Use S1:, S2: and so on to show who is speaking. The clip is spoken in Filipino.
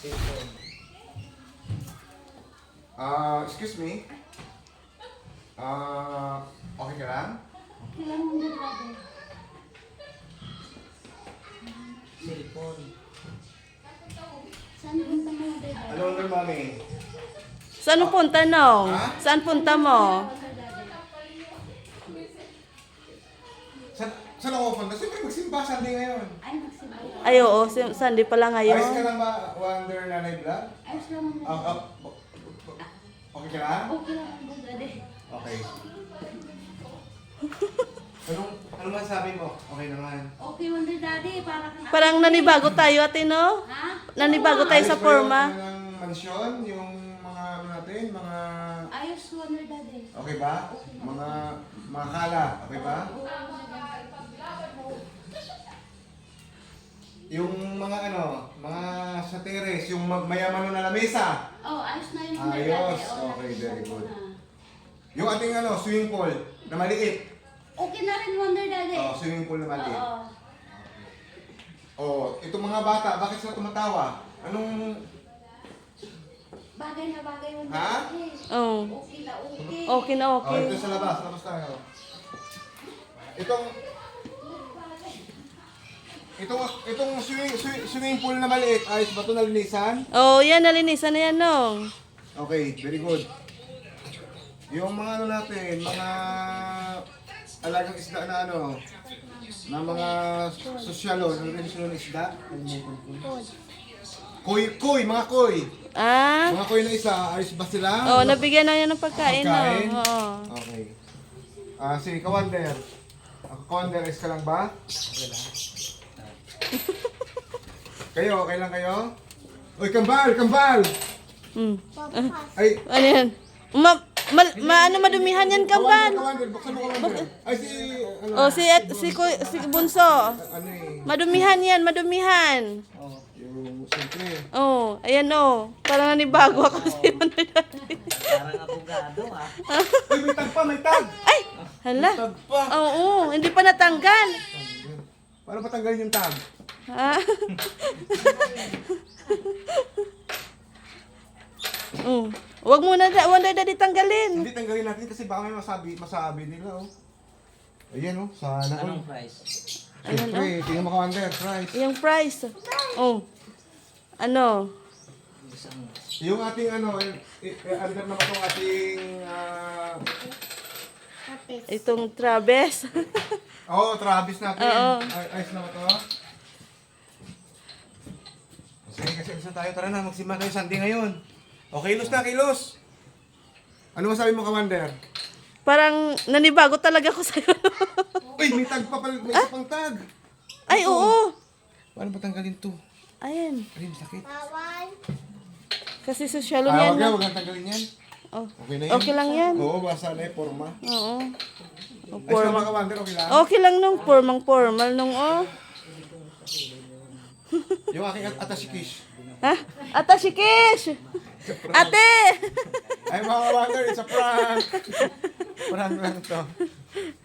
S1: Excuse me. Okay ka lang?
S2: Kailan mo na brother?
S3: Cellphone.
S2: Saan punta mo na brother?
S1: Ano under mami?
S4: Saan mo punta, Nong?
S1: Ha?
S4: Saan punta mo?
S1: Saan ako punta? Siyempre magsimba Sunday ngayon.
S2: Ay, magsimba.
S4: Ay, oo. Sunday pala
S1: Ayos ka
S4: ngayon.
S1: lang ba, Wonder Nanay Vlog?
S2: Ayos lang mo
S1: Ah,
S2: na.
S1: ah, okay ka lang?
S2: Okay lang mo brother.
S1: Okay. Anong masasabi mo? Okay naman.
S2: Okay Wonder Daddy, para kang...
S4: Parang nanibago tayo, ate, no?
S2: Ha?
S4: Nanibago tayo sa
S1: Ayos ba
S4: forma.
S1: yung mansyon, yung mga ano natin, mga...
S2: Ayos Wonder Daddy.
S1: Okay ba? Mga kala, okay ba? Yung mga ano, mga sa terrace, yung mayaman na lamesa.
S2: Oh, ayos na yung Wonder
S1: Ayos.
S2: Daddy. Oh,
S1: Okay,
S2: ayos
S1: very
S2: na.
S1: good. Yung ating ano, swimming pool na maliit.
S2: Okay na rin Wonder Daddy.
S1: Oh, swimming pool na maliit.
S2: Oo.
S1: Oh, itong mga bata, bakit sila tumatawa? Anong...
S2: Bagay na bagay Wonder
S1: Ha?
S2: Daddy.
S4: Oo.
S2: Okay na okay.
S4: Okay na
S1: Oh,
S4: okay.
S1: ito sa labas tayo. Itong swimming pool na maliit, ayos ba ito nalinisan?
S4: Oh, yan, nalinisan na yan, Nong.
S1: Okay, very good. Yung mga ano natin, mga alagang isda na ano, na mga sosyalo, ano rin sila ng isda? Koy, mga koy.
S4: Ah?
S1: Mga koy na isa, ayos ba sila?
S4: Oh, nabigyan na yan ng pagkain, no?
S1: Pagkain?
S4: Oo.
S1: Okay. Sige, Kawander. Kawander, ayos ka lang ba? Kayo, okay lang kayo? Uy, kambal!
S4: Mm.
S1: Ay,
S4: Ano yan? Ano madumihan yan, kambal?
S1: Kawander, buksan mo Kawander. Ay, ano?
S4: Oh, si Bunso.
S1: Ano eh,
S4: Madumihan yan, madumihan.
S1: yung siyempre.
S4: Oh, ayan oh. Parang nanibago ako sa Wonder Daddy.
S3: Parang abogado ah.
S1: Uy, may tag pa, may tag!
S4: Ay! Hala.
S1: Tag pa!
S4: Oo, hindi pa natanggal.
S1: Paano patanggalin yung tag?
S4: Ha? Oh. Wag mo na Wonder Daddy tanggalin.
S1: Hindi, tanggalin natin kasi baka may masabi nila, oh. Ayan, oh, sana
S3: Anong
S1: all.
S3: price?
S1: Siyempre, tingnan mo Kawander, price.
S4: Yung price. Oh. Ano?
S3: Isang
S1: Yung ating ano, under naman itong ating,
S4: Itong Travis.
S1: Travis natin.
S4: Oo.
S1: Ayos na ba ito? Sige, kasi alis na tayo. Tara na, magsimba tayo Sunday ngayon. O, kilos na, kilos! Ano masabi mo, Commander?
S4: Parang nanibago talaga ako sa'yo.
S1: Uy, may tag pa pala, may isa pang tag.
S4: Ay, oo.
S1: Paano ba tanggalin to?
S4: Ayan.
S1: Ay, sakit.
S4: Kasi sosyalo
S1: Ah,
S4: niyan.
S1: wag na,
S4: No?
S1: wag na tanggalin yan.
S4: Oh.
S1: Okay na yan.
S4: Okay lang yan.
S1: Oo, basta na forma.
S4: Oo. Oh,
S1: Ayos na
S4: formal.
S1: ba, Commander? Okay lang?
S4: Okay lang nung formal nung oh.
S1: Yung aking atasikish.
S4: Ha? Ata si Kish! Ate!
S1: Ay, mga Commander, it's a prank. Prank lang to.